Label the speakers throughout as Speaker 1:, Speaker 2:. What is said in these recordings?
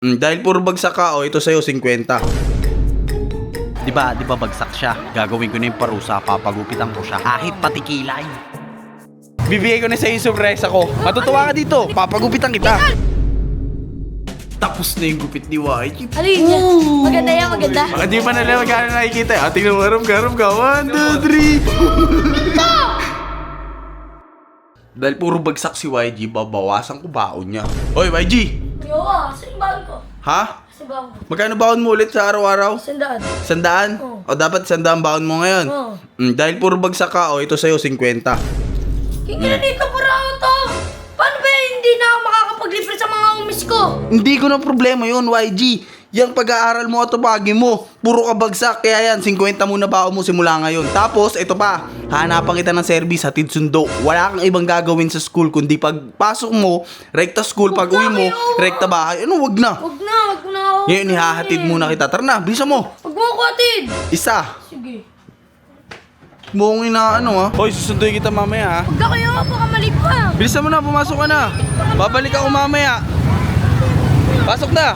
Speaker 1: Dahil puro bagsak ka, ito sa'yo, 50.
Speaker 2: Di ba bagsak siya? Gagawin ko na yung parusa, papagupitan ko siya. Kahit pati kilay.
Speaker 1: Bibigay ko na sa'yo yung surpresa ko. Matutuwa ka dito, papagupitan kita. Tapos na yung gupit ni YG.
Speaker 3: Ano yun yan? Maganda yan, maganda.
Speaker 1: Hindi pa nila magkano nakikita. Tingnan mo, harap ka. 1, 2, 3. Dahil puro bagsak si YG, babawasan ko baon niya. Hoy, YG!
Speaker 3: Yo, saan baon ko?
Speaker 1: Ha?
Speaker 3: Saan baon ko?
Speaker 1: Magkano baon mo ulit sa araw-araw?
Speaker 3: Sandaan.
Speaker 1: 100?
Speaker 3: Oo.
Speaker 1: O dapat 100 baon mo ngayon?
Speaker 3: Oo.
Speaker 1: Dahil puro bagsak ka, ito sa'yo, 50.
Speaker 3: Kingin dito para to. Paano ba hindi na ako makakapaglibre sa mga umis ko?
Speaker 1: Hindi ko na problema yun, YG. Yang pag-aaral mo at tupagi mo, puro ka bagsak. Kaya yan, 50 muna baon mo simula ngayon. Tapos, ito pa, hanapan kita ng service, hatid sundo. Wala kang ibang gagawin sa school, kundi pagpasok mo, rekta school, pag uwi mo, rekta bahay. Ano, wag na.
Speaker 3: Wag na ako.
Speaker 1: Ngayon, ihahatid muna kita. Tara na, bisa mo.
Speaker 3: Wag mo ako atid.
Speaker 1: Isa.
Speaker 3: Sige.
Speaker 1: Buong ina, ano ha? Hoy, susunduin kita mamaya ha.
Speaker 3: Huwag ka kayo, baka mali pa.
Speaker 1: Bilisan mo na, pumasok ka na. Babalik ako mamaya. Pasok na.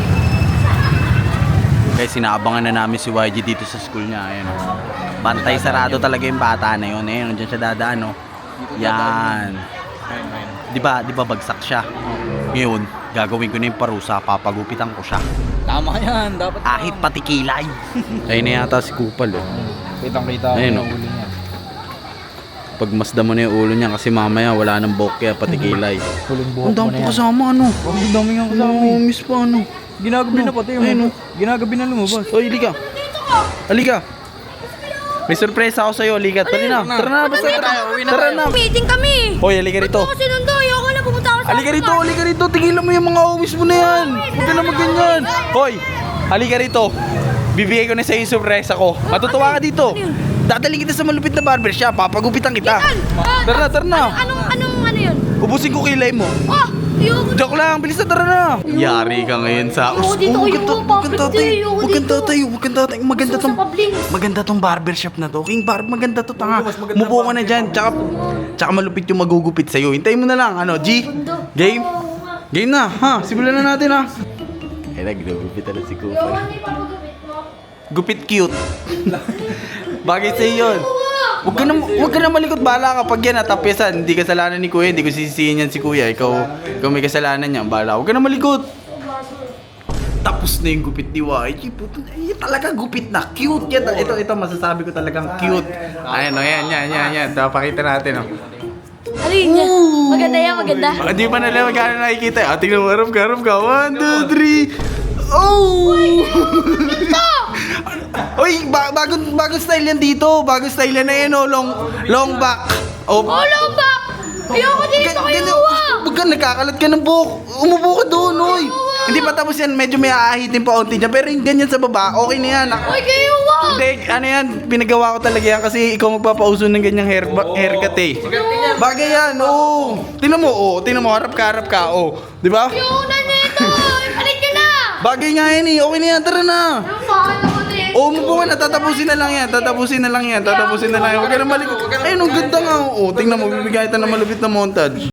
Speaker 2: Guys, sinaabangan na namin si YG dito sa school niya. Ayan, oh. Bantay sarado talaga yung bata na yun. Ayan, dyan siya dadaan, oh. Yan. Di ba bagsak siya? Ngayon, gagawin ko na yung parusa, papagupitan ko siya.
Speaker 4: Tama yan, dapat.
Speaker 2: Kahit pati kilay.
Speaker 1: Ayun na yata si Kupal eh.
Speaker 4: Kitang-kita
Speaker 1: Ayun,
Speaker 4: yung
Speaker 1: oh.
Speaker 4: ulo niya.
Speaker 1: Pagmasda mo na yung ulo niya kasi mamaya wala nang buhok kaya pati kilay.
Speaker 4: Huling buhok
Speaker 1: Ang dami
Speaker 4: mo na
Speaker 1: pa
Speaker 4: yan.
Speaker 1: kasama ano.
Speaker 4: Ang dami nga kasama
Speaker 1: Oh,
Speaker 4: eh.
Speaker 1: miss pa ano.
Speaker 4: Ginagabi na pati
Speaker 1: Ayun,
Speaker 4: yung
Speaker 1: oh.
Speaker 4: ginagabi na lumabas.
Speaker 1: Oy, halika. Halika. May surpresa ako sa'yo, halika. Tara na, tara na, basta tara. Tara na.
Speaker 3: Meeting kami.
Speaker 1: Hoy, halika rito.
Speaker 3: Ako sinundo, ayoko na pumunta ako sa
Speaker 1: Halika rito. Tigilan mo yung mga umis mo na yan. Huwag ka na magganyan. Hoy, halika rito. Bibigay ko na sa'yo yung surpresa ko. Matutuwa ka dito. Dadaling kita sa malupit na barbershop. Papagupitan kita. Tara na.
Speaker 3: Anong yun?
Speaker 1: Ubusin ko kilay mo.
Speaker 3: Oh, ayoko.
Speaker 1: Joke lang, bilis na, tara na. Yari ka ngayon sa...
Speaker 3: Ayoko dito,
Speaker 1: Huwag kang tatay.
Speaker 3: ayoko
Speaker 1: Huwag kang
Speaker 3: dito.
Speaker 1: tatay. Huwag kang tatay. Maganda
Speaker 3: Gusto
Speaker 1: tong...
Speaker 3: sa public.
Speaker 1: Maganda tong barbershop na to. King Barb, maganda to, tanga. Mubo ka na dyan. Tsaka malupit yung magugupit sa'yo. Hintayin mo na lang. Ano, G? Game? Game na, ha? Simulan na natin, ha? Eh, nagugupit na si Cooper. Gupit cute. Bagay sa'yo yun. Huwag ka na malikot, bala ka. Pag yan natapyasan, hindi kasalanan ni Kuya. Hindi ko sisisihin yan si Kuya. Ikaw may kasalanan niya. Bala. Huwag ka na malikot. Tapos na yung gupit ni YG. Puto, yan talaga gupit na. Cute yan. Ito, masasabi ko talagang cute. Ayan, o, yan. Pakita natin, o.
Speaker 3: Ano yun yan? Maganda yan, maganda.
Speaker 1: Hindi pa nila magkano nakikita. Tingnan mo, harap ka. 1, 2, 3. Oh! Uy, bagong style yan dito. Bagong style yan na yan, oh. Long back. Oh,
Speaker 3: Hello, back! Ayoko dito kayo,
Speaker 1: Huwag ka, nagkakalat ka ng buhok. Umupo ka doon, oy. Hindi pa tapos yan, medyo may aahitin pa onti dyan. Pero yung ganyan sa baba, okay na yan.
Speaker 3: Ay, kayo,
Speaker 1: Hindi, ano yan, pinagawa ko talaga yan kasi ikaw magpapauso ng ganyang haircut eh. Bagay yan, oo. Tingnan mo, harap ka, oo. Di ba?
Speaker 3: Ayoko na nito! Balik ka na!
Speaker 1: Bagay nga yan eh, okay na yan, tara na.
Speaker 3: Ang bakal ako nito!
Speaker 1: Oo, umupo ka na, tatapusin na lang yan. Huwag ka na malikot. Ayun, ang ganda nga, oo. Tingnan mo, bibigyan kita ng malupit na montage.